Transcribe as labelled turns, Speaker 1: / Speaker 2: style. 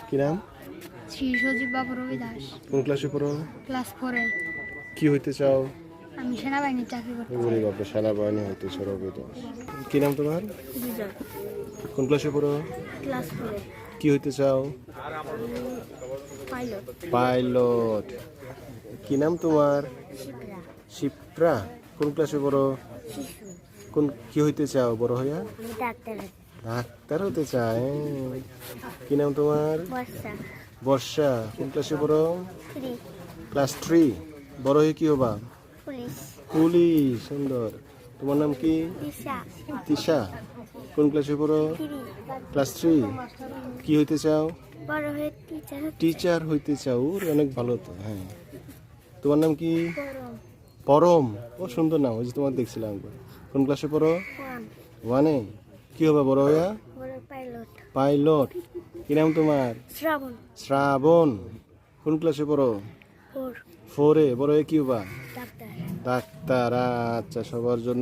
Speaker 1: কি নাম?
Speaker 2: শ্রী সজীব বাবু রবি দাস।
Speaker 1: কোন ক্লাসে পড়ো?
Speaker 2: ক্লাস 4-এ।
Speaker 1: কি হইতে চাও?
Speaker 2: আমি সেনাবাহিনীর চাকরি করতে চাই।
Speaker 1: ওরে বাবা, সেনাবাহিনী হইতে চাও রবি দাস। কি নাম তোমার?
Speaker 2: বিজয়।
Speaker 1: কোন ক্লাসে পড়ো?
Speaker 2: ক্লাস 4-এ।
Speaker 1: কি হইতে চাও?
Speaker 2: পাইলট।
Speaker 1: পাইলট। কি নাম তোমার?
Speaker 2: শিপ্রা।
Speaker 1: শিপ্রা। কোন ক্লাসে পড়ো?
Speaker 2: শিশু।
Speaker 1: কোন কি হইতে চাও বড় হইয়া?
Speaker 2: আমি ডাক্তার।
Speaker 1: ডাক্তার হতে চায়। কি নাম তোমার?
Speaker 2: বর্ষা।
Speaker 1: বর্ষা। কোন ক্লাসে পড়ো?
Speaker 2: 3।
Speaker 1: ক্লাস 3। বড় হয়ে কি হবা?
Speaker 2: পুলিশ।
Speaker 1: পুলিশ। সুন্দর। তোমার নাম কি?
Speaker 2: দিশা।
Speaker 1: তিশা। কোন ক্লাসে পড়ো?
Speaker 2: 3।
Speaker 1: ক্লাস 3। কি হইতে চাও?
Speaker 2: বড় হয়ে টিচার।
Speaker 1: টিচার হইতে চাও। ওর অনেক ভালো তো। হ্যাঁ, তোমার নাম কি?
Speaker 2: গরম।
Speaker 1: পরম। ও সুন্দর নাম, ওই যে তোমার দেখছিলাম একবার। কোন ক্লাসে পড়ো?
Speaker 2: 1।
Speaker 1: 1-এ। কি হবে বড় হইয়া?
Speaker 2: বড় পাইলট।
Speaker 1: পাইলট। কি নাম তোমার?
Speaker 2: শ্রাবণ।
Speaker 1: শ্রাবণ। কোন ক্লাসে পড়ো?
Speaker 2: 4।
Speaker 1: 4-এ। বড় হয়ে কি হবা?
Speaker 2: ডাক্তার।
Speaker 1: ডাক্তার। আচ্ছা, সবার জন্য